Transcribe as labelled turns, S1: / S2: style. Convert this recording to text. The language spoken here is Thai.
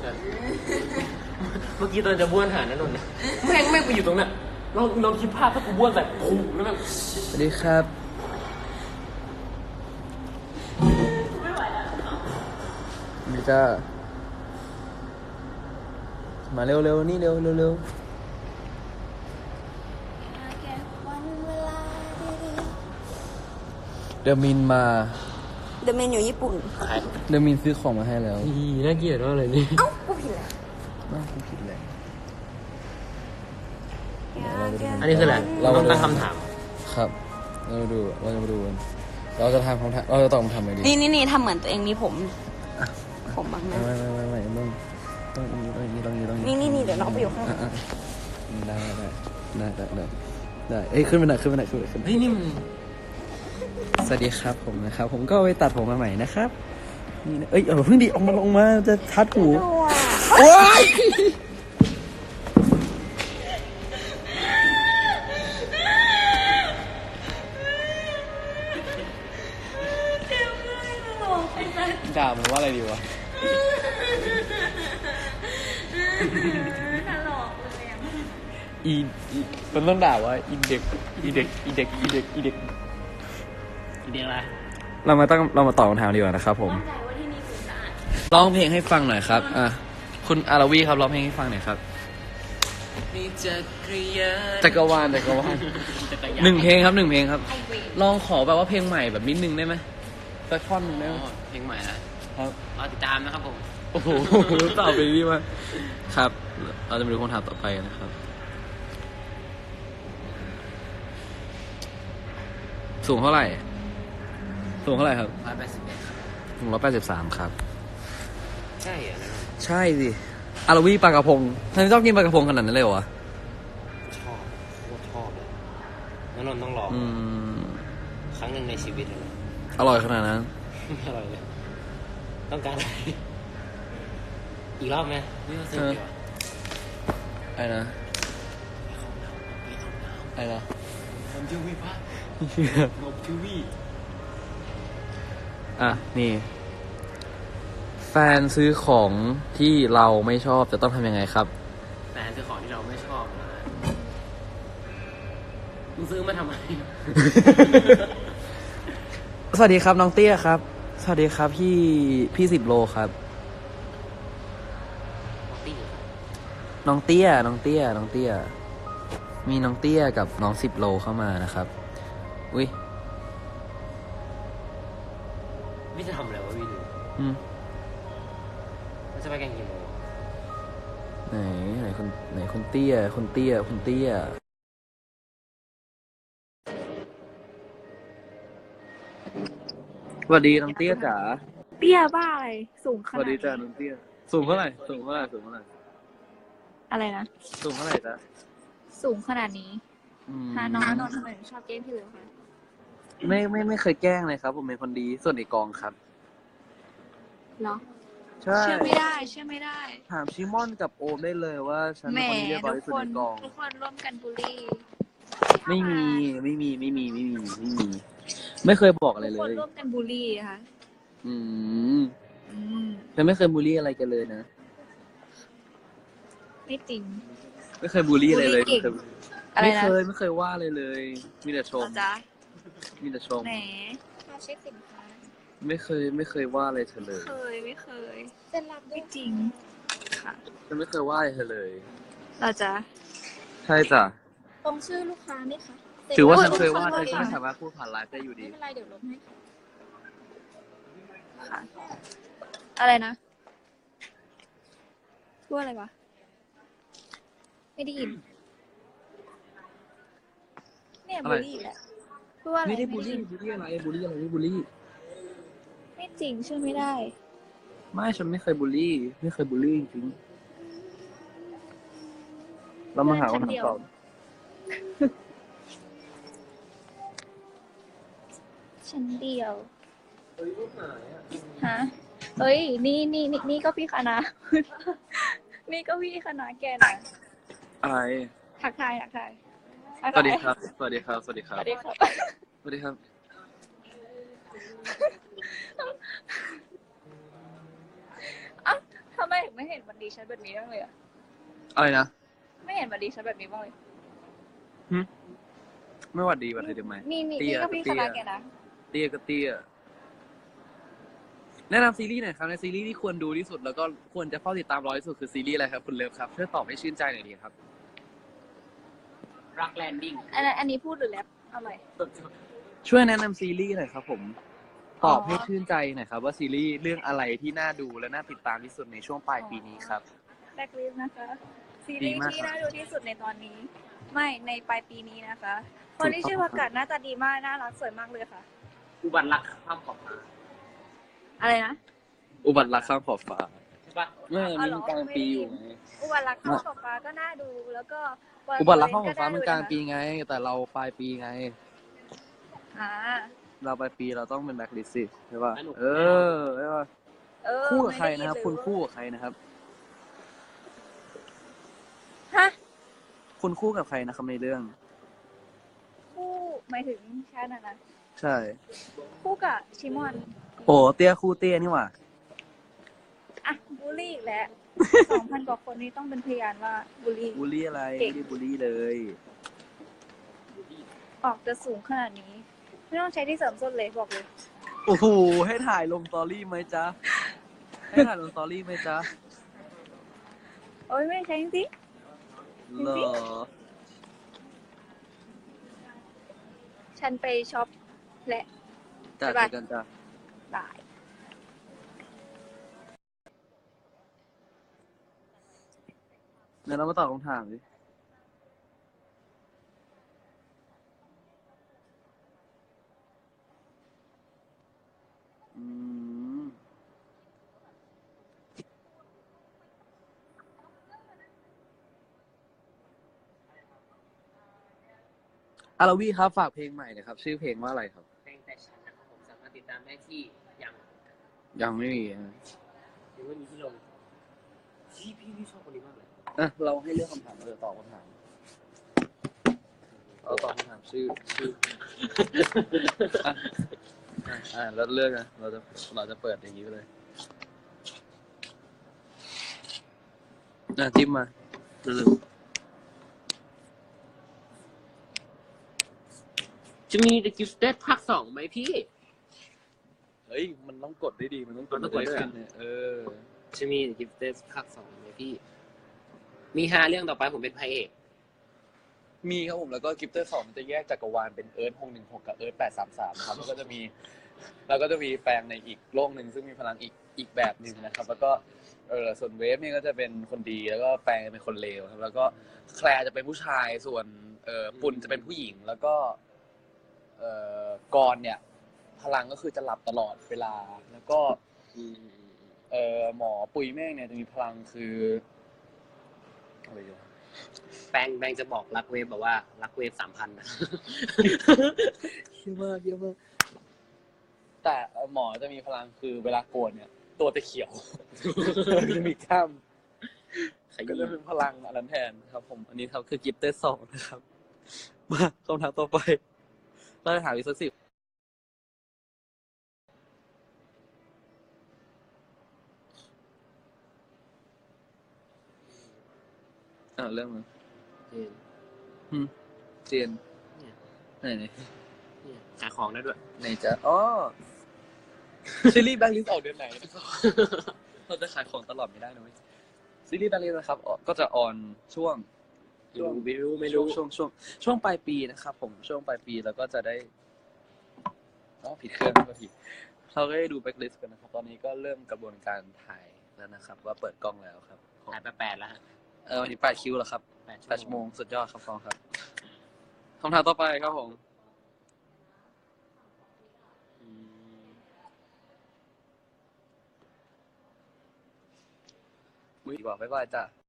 S1: เมื่อกี้ตอนจะบ้วนหานั่นนนท์แม่งไปอยู่ตรงนั้นลองคิดภาพถ้ากูบ้วนใส่คุ้มแล้วแบบ
S2: สวัสดีครับนี่จ้ามาเร็วๆนี่เร็วเดอะมินมา
S3: เดอะเมนอยู่ญี่ปุ่น
S2: เดอะมินซื้อของมาให้แล้ว
S1: น่าเกลียดมากเลยนี่
S3: เอ้ากูผิดแล้ว
S2: กูผิดแล้ว
S1: อันนี้คืออะไรเราต้องตั้งคำถาม
S2: ครับเราจะมาดูเราจะทำคำถามเราจะตอบคำถามอะไรดี
S3: นี่ทำเหมือนตัวเองมีผมบางนะ
S2: ไม่ต้อง
S3: นี่เดี๋ยวน้องไปอยู่ข้าง
S2: ได้เอ้ยขึ้นไปหน่อยเ
S1: ฮ้ยนี่มัน
S2: สวัสดีครับผมนะครับผมก็ไปตัดผมมาใหม่นะครับนี่นะเอ้ยเพิ่งดีออกมาจะทัดหูโอ๊ยด่ามันว่าอะไรดีวะอีมันต้องด่าว่าอีเด็ก
S1: อะไร
S2: เรามาตอบคำถามดีกว่านะครับผมร้องเพลงให้ฟังหน่อยครับคุณอาราวีครับร้องเพลงให้ฟังหน่อยครับจักรวาลหนึ่งเพลงครับลองขอแบบว่าเพลงใหม่แบบนิดนึงได้ไหมสักท่อนนึงได้ไหม
S1: เพลงใหม่นะครับรอติดตามนะครับผม
S2: โอ้โหตอบไปดีมากครับเราจะมาดูคำถามต่อไปนะครับสูงเท่าไหร่ครับ
S1: 181
S2: สูง183ครับ
S1: ใช่เหรอ
S2: ใช่สิอาราวีปลากระพงทำไมชอบกินปลากระพงขนาดนั้นเลยเหรอ
S1: ชอบเลยนนท์ต้องลองครั้งหนึ่งในชีวิตเลย
S2: อร่อยขนาดนั้น
S1: อร่อยเลยต้องการอะไรอีกรอบไหมไม่ต้องเสียเดียว
S2: อะไรนะ
S1: ทำทีวีป่ะงบทีวี
S2: นี่แฟนซื้อของที่เราไม่ชอบจะต้องทำยังไงครับ
S1: แฟนซื้อของที่เราไม่ชอบนะมึงซื้อมาทำไม
S2: สวัสดีครับน้องเตี้ยครับสวัสดีครับพี่10 โลครับน้องเตี้ยมีน้องเตี้ยกับน้อง10 โลเข้ามานะครับอุ้ย
S1: พี่จะทำอะไรวะพี่ดูมันจะไปกันกี่โมง
S2: ไหนคนเตี้ยสวัสดีน้องเตี้ยจ๋า
S3: เตี้ยบ้าอะไรสูงขนาด
S2: สวัสดีจ้าน้องเตี้ยสูงเท่าไหร่
S3: อะไรนะ
S2: สูงเท่าไหร่จ๊ะ
S3: สูงขนาดนี้น้องนนท์ทำไมชอบแกล้งพี่เลยคะ
S2: ไม่เคยแกล้งเลยครับผมเป็นคนดีส่วนในกองครับ
S3: เหรอ
S2: ใช่
S3: เชื่อไม่ได้
S2: ถามชิมอนกับโอมได้เลยว่าฉันเป็นคนที่เรียบร้อยที่สุดในกอง
S3: ทุกคนร่วมกันบูลลี่
S2: ไม่มีไม่เคยบอกอะไรเลย
S3: ทุกคนร่วมกันบูลลี่ค่ะ
S2: ฉันไม่เคยบูลลี่อะไรกันเลยนะ
S3: ไม่จริง
S2: ไม่เคยบูลลี่อะไรเลยไม่เคยว่าอะไรเลยมีแต่ชม
S3: แหมเช็คสินค้า
S2: ไม่เคยว่าอะไรเธอเลย
S3: ไม่เคยเซ็นรับไม่จริงค่ะ
S2: ฉันไม่เคยว่าอะไรเธอเลย
S3: เราจะ
S2: ใช่จ้ะ
S3: ตรงชื่อลูกค้าไหมคะ
S2: ถือว่าฉันเคยว่าเธอก็ไม่สามารถพูดผ่านไลฟ์ได้อยู่ดี
S3: ไม่เป็นไรเดี๋ยวลบให้ค่ะอะไรนะพูดอะไรวะไม่ได้ยินเนี่ยบูลลี่แหละพูดว่าอะไร
S2: ไม่ได้บูลลี่อะไรไม่บูลลี่
S3: ไม่จริงเชื่อไม่ได้
S2: ไม่ฉันไม่เคยบูลลี่จริงๆเรามาหาคำตอบ
S3: ฉันเดียวฮะเฮ้ยนี่ก็พี่คณะนี่ก็พี่คณะแกนะ
S2: อะไร
S3: ทักทาย
S2: สวัสดีครับ
S3: สวัสดีครับททำไมถึงไม่เห็นวันดีฉันแบบนี้บ้างเลยอะ
S2: อะไรนะ
S3: ไม่เห็นวันดีฉันแบบนี้บ้างเลย
S2: ไม่หวัดดีหวัดดีทำไม
S3: นี่
S2: เตี้ย
S3: ก็พี่คณะแกนะ
S2: เตี้ยก็เตี้ยแนะนำซีรีส์หน่อยครับในซีรีส์ที่ควรดูที่สุดแล้วก็ควรจะเฝ้าติดตามรอที่สุดคือซีรีส์อะไรครับคุณเลิฟครับช่วยตอบให้ชื่นใจหน่อยดีครับ
S1: รักแลนดิ้ง
S3: อันนี้พูดหรือแรปเอาใหม่
S2: ช่วยแนะนำซีรีส์หน่อยครับผม
S3: อ๋
S2: ต
S3: อ
S2: อบให้ชื่นใจหน่อยครับว่าซีรีส์เรื่องอะไรที่น่าดูและน่าติดตามที่สุดในช่วงปลายปีนี้ครับ
S3: แบล็คลิสต์นะคะ ซี
S2: ดี
S3: รีส์
S2: มาก
S3: ที่
S2: ครับ
S3: น่าดูที่สุดในตอนนี้ ไม่ในปลายปีนี้นะคะ คนที่ชื่อประกาศหน้าตาดีมาก น่ารักสวยมากเลยค่ะ
S1: อุบัติรักข้ามขอบฟ้า
S3: อะไรนะ
S2: อุบัติรักข้ามขอบฟ้า
S1: ใช่ปะ
S2: มันกลางปีอยู่ไง
S3: อุบัติรักข้าวกับฟ้าก็น่าดู แล้วก็
S2: อุบัติรักข้ามขอบฟ้ามันกลางปีไง แต่เราปลายปีไง
S3: อ่า
S2: เราปลายปีเราต้องเป็นแบ็คลิสต์สิใช่ป่ะใช่ป่ะ
S3: เ
S2: คู่กับใครนะครับ
S3: ไม่ได้ยิ
S2: คุณ
S3: เลย
S2: คู่กับใครนะครับ
S3: ฮะ
S2: คุณคู่กับใครนะครับในเรื่อง
S3: คู่หมายถึงฉันนะ
S2: ใช่
S3: คู่กับชิมอน
S2: โอ้เตี้ยคู่เตี้ยนี่หว่า
S3: อ่ะบูลลี่อีกแล้ว 2,000 กว่าคนนี้ต้องเป็นพยานว่าบูลลี่
S2: บูลลี่อะไร
S3: เก่
S2: ไม่
S3: ง
S2: ได้บูลลี่เลย
S3: ออกจะสูงขนาดนี้ ไม่ต้องใช้ที่เสริมส้นเลยบอกเลย
S2: โอ้โหให้ถ่ายลงสตอรี่ไหมจ๊ะให้ถ่ายลงสตอรี่ไหมจ๊ะ
S3: โอ้ยไม่ได้ใช้จริง
S2: เหรอ
S3: ๆฉันไปช็อปและ
S2: จ้ะ
S3: บ๊ายบาย
S2: เจอกันจ้ะ
S3: ได้
S2: เดี๋ยวเรามาตอบคำถามดิอืมอาราวีครับฝากเพลงใหม่หนะครับ ชื่อเพลงว่าอะไรครับ
S1: เพลงแต่ฉันนะครับผมสามารถติดตามได้ที่ยัง
S2: ยังไม่มีฮะ
S1: ยังไม่มีที่ลงพี่ชอบคนนี้มากเลย
S2: อ่ะเราให้เลือกคำถามเราจะตอบคำถามเราตอบคำถามชื่อแล้วเลือกนะเราจะเปิดอย่างนี้ไปเลยจิ้มมาเร็ว
S1: จะมี The Gifted ภาค 2ไหมพี่
S2: ๆเฮ้ยมันต้องกดได้ดีมันต้องกด
S1: มันต้องกดด้วย
S2: ขึ้นเนี่ย
S1: จะมี The Gifted ภาค 2ไหมพี่ มี5เรื่องต่อไปผมเป็นพระเอก
S2: มีครับผมแล้วก็กิฟเตอร์2มันจะแยกจักรวาลเป็นเอิร์ธ616กับเอิร์ธ833นะครับแล้วก็จะมีแปลงในอีกโลกหนึ่งซึ่งมีพลังอีกแบบหนึ่งนะครับ แล้วก็ส่วนเวฟเนี่ยก็จะเป็นคนดีแล้วก็แปลงเป็นคนเลวครับแล้วก็แคลร์จะเป็นผู้ชายส่วนปุณจะเป็นผู้หญิงแล้วก็กรเนี่ยพลังก็คือจะหลับตลอดเวลาแล้วก็หมอปุยเมฆเนี่ยจะมีพลังคืออะไรอยู่
S1: แปงจะบอกรักเวฟแบบว่ารักเวฟ 3,000นะ
S2: เยอะมากแต่หมอจะมีพลังคือเวลาโกรธเนี่ย ตัวจะเขียว จะมีกล้ามก็จะเป็นพลังอันนั้นแทนครับผมอันนี้ครับคือกิฟเตอร์2นะครับมาคำถามต่อไปเราจะถามอีกสัก10เรื่องมันเซียน
S1: เนี่ย
S2: ไหน
S1: เนี่ยขายของได้ด้วย
S2: ไหนจะอ๋อซีรีส์แบงค์ลิสออกเดือนไหนเราจะขายของตลอดไม่ได้นะเว้ยซีรีส์แบงค์ลิสนะครับก็จะออนช่วง
S1: ไม่รู้
S2: ช่วงปลายปีนะครับผมช่วงปลายปีแล้วก็จะได้ผิดเครื่องก็ผิดเราก็ได้ดูแบ็คลิสต์กันนะครับตอนนี้ก็เริ่มกระบวนการถ่ายแล้วนะครับว่าเปิดกล้องแล้วครับ
S1: ขายไป8แล้วฮะ
S2: วันนี้8 คิวแล้วครับ
S1: 8
S2: 8 ชั่วโมงสุดยอดครับฟองครับคำถามต่อไปครับผมมือบอกบ๊ายบายจ้ะ